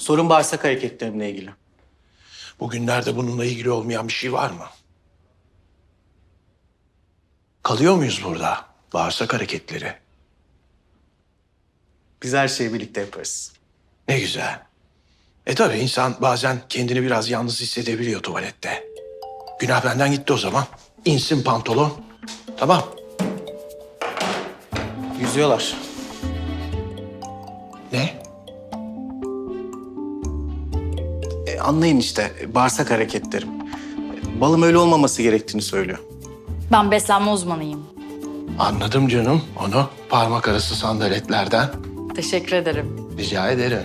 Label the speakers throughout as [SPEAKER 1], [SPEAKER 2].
[SPEAKER 1] Sorun bağırsak hareketlerimle ilgili.
[SPEAKER 2] Bugünlerde bununla ilgili olmayan bir şey var mı? Kalıyor muyuz burada? Bağırsak hareketleri.
[SPEAKER 1] Biz her şeyi birlikte yaparız.
[SPEAKER 2] Ne güzel. Tabii insan bazen kendini biraz yalnız hissedebiliyor tuvalette. Günah benden gitti o zaman. İnsin pantolon. Tamam.
[SPEAKER 1] Yüzüyorlar.
[SPEAKER 2] Ne?
[SPEAKER 1] Anlayın işte bağırsak hareketlerim. Balım öyle olmaması gerektiğini söylüyor.
[SPEAKER 3] Ben beslenme uzmanıyım.
[SPEAKER 2] Anladım canım onu. Parmak arası sandaletlerden.
[SPEAKER 3] Teşekkür ederim.
[SPEAKER 2] Rica ederim.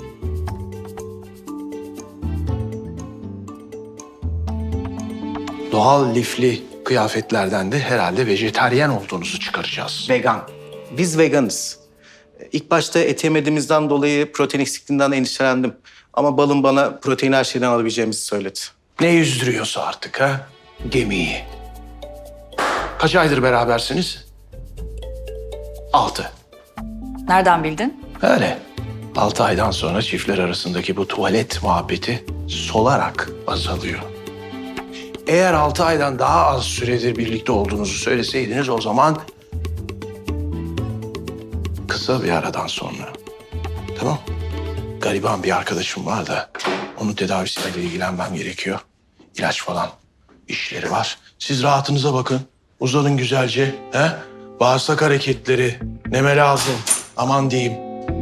[SPEAKER 2] Doğal lifli kıyafetlerden de herhalde vejetaryen olduğunuzu çıkaracağız.
[SPEAKER 1] Vegan. Biz veganız. İlk başta et yemediğimizden dolayı protein eksikliğinden endişelendim. Ama balım bana protein her şeyden alabileceğimizi söyledi.
[SPEAKER 2] Ne yüzdürüyorsa artık ha? Gemiyi. Kaç aydır berabersiniz? 6.
[SPEAKER 3] Nereden bildin?
[SPEAKER 2] Öyle. 6 aydan sonra çiftler arasındaki bu tuvalet muhabbeti solarak azalıyor. Eğer 6 aydan daha az süredir birlikte olduğunuzu söyleseydiniz o zaman kısa bir aradan sonra. Tamam. Gariban bir arkadaşım var da onun tedavisiyle ilgilenmem gerekiyor. İlaç falan işleri var. Siz rahatınıza bakın. Uzanın güzelce. He? Bağırsak hareketleri. Neme lazım. Aman diyeyim.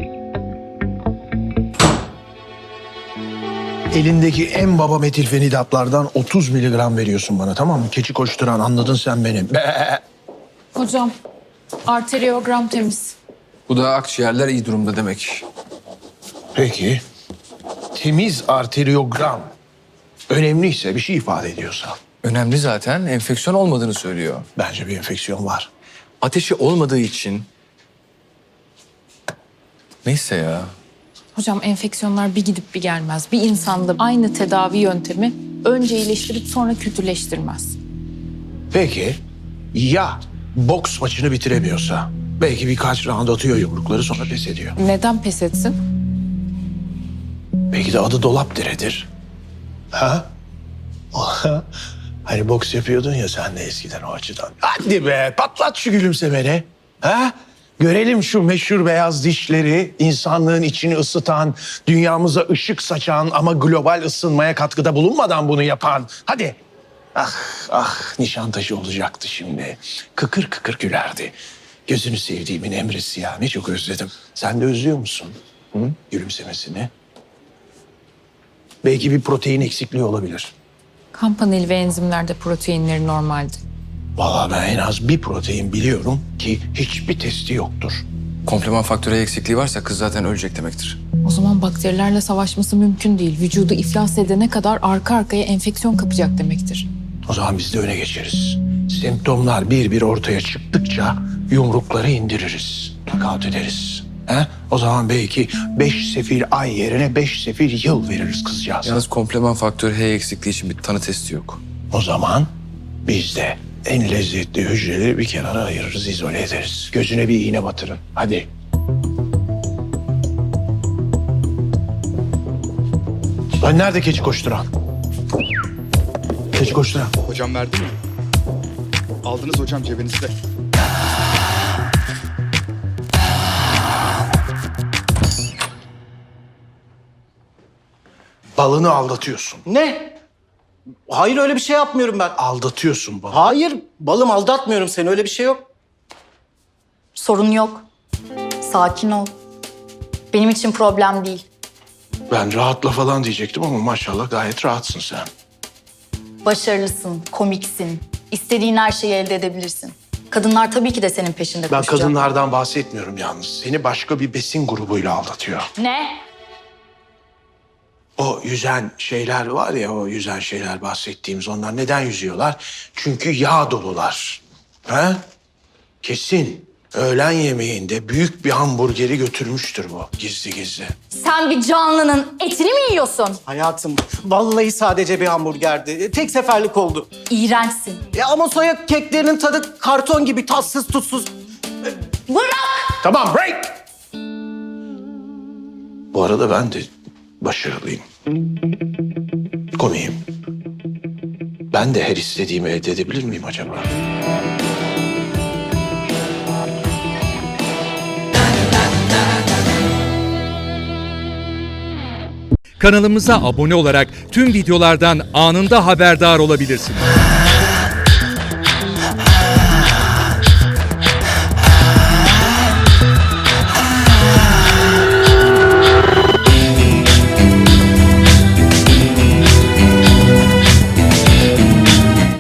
[SPEAKER 2] Elindeki en baba metilfenidatlardan 30 miligram veriyorsun bana, tamam mı? Keçi koşturan, anladın sen beni. Be.
[SPEAKER 4] Hocam, arteriogram temiz.
[SPEAKER 5] Bu da akciğerler iyi durumda demek.
[SPEAKER 2] Peki. Temiz arteriogram. Önemliyse, bir şey ifade ediyorsa.
[SPEAKER 5] Önemli zaten. Enfeksiyon olmadığını söylüyor.
[SPEAKER 2] Bence bir enfeksiyon var.
[SPEAKER 5] Ateşi olmadığı için... Neyse ya.
[SPEAKER 4] Hocam enfeksiyonlar bir gidip bir gelmez. Bir insanda aynı tedavi yöntemi önce iyileştirip sonra kötüleştirmez.
[SPEAKER 2] Peki, ya boks maçını bitiremiyorsa? Belki birkaç round atıyor yumrukları sonra pes ediyor.
[SPEAKER 4] Neden pes etsin?
[SPEAKER 2] Belki de adı dolap diredir. Ha? Hani boks yapıyordun ya sen de eskiden o açıdan. Hadi be, patlat şu gülümsemeni. Ha? Görelim şu meşhur beyaz dişleri, insanlığın içini ısıtan, dünyamıza ışık saçan ama global ısınmaya katkıda bulunmadan bunu yapan. Hadi. Ah, ah, Nişantaşı olacaktı şimdi. Kıkır kıkır gülerdi. Gözünü sevdiğimin Emre'si ya, ne çok özledim. Sen de özlüyor musun? Hı? Gülümsemesini. Belki bir protein eksikliği olabilir.
[SPEAKER 4] Kan paneli ve enzimlerde proteinleri normaldi.
[SPEAKER 2] Vallahi ben en az bir protein biliyorum ki hiçbir testi yoktur.
[SPEAKER 5] Kompleman faktörü eksikliği varsa kız zaten ölecek demektir.
[SPEAKER 4] O zaman bakterilerle savaşması mümkün değil. Vücudu iflas edene kadar arka arkaya enfeksiyon kapacak demektir.
[SPEAKER 2] O zaman biz de öne geçeriz. Semptomlar bir bir ortaya çıktıkça yumrukları indiririz. Knockout ederiz. He? O zaman belki 5 sefil ay yerine 5 sefil yıl veririz kızcağız.
[SPEAKER 5] Yalnız kompleman faktörü H eksikliği için bir tanı testi yok.
[SPEAKER 2] O zaman biz de en lezzetli hücreleri bir kenara ayırırız, izole ederiz. Gözüne bir iğne batırın. Hadi. Lan nerede keçi koşturan? Keçi koşturan.
[SPEAKER 6] Hocam verdi mi? Aldınız hocam cebinizde.
[SPEAKER 2] Balını aldatıyorsun.
[SPEAKER 1] Ne? Hayır öyle bir şey yapmıyorum ben.
[SPEAKER 2] Aldatıyorsun balı.
[SPEAKER 1] Hayır balım aldatmıyorum seni öyle bir şey yok.
[SPEAKER 3] Sorun yok. Sakin ol. Benim için problem değil.
[SPEAKER 2] Ben rahatla falan diyecektim ama maşallah gayet rahatsın sen.
[SPEAKER 3] Başarılısın, komiksin. İstediğin her şeyi elde edebilirsin. Kadınlar tabii ki de senin peşinde
[SPEAKER 2] Ben
[SPEAKER 3] koşacak.
[SPEAKER 2] kadınlardan bahsetmiyorum yalnız. Seni başka bir besin grubuyla aldatıyor.
[SPEAKER 3] Ne?
[SPEAKER 2] O yüzen şeyler var ya, o yüzen şeyler bahsettiğimiz, onlar neden yüzüyorlar? Çünkü yağ dolular. Ha? Kesin. Öğlen yemeğinde büyük bir hamburgeri götürmüştür bu gizli gizli.
[SPEAKER 3] Sen bir canlının etini mi yiyorsun?
[SPEAKER 1] Hayatım vallahi sadece bir hamburgerdi. Tek seferlik oldu.
[SPEAKER 3] İğrençsin.
[SPEAKER 1] Ya ama soya keklerinin tadı karton gibi tatsız tutsuz.
[SPEAKER 3] Bırak!
[SPEAKER 2] Tamam, break! Bu arada ben de başarılıyım. Komiyim. Ben de her istediğimi elde edebilir miyim acaba?
[SPEAKER 7] Kanalımıza abone olarak tüm videolardan anında haberdar olabilirsiniz.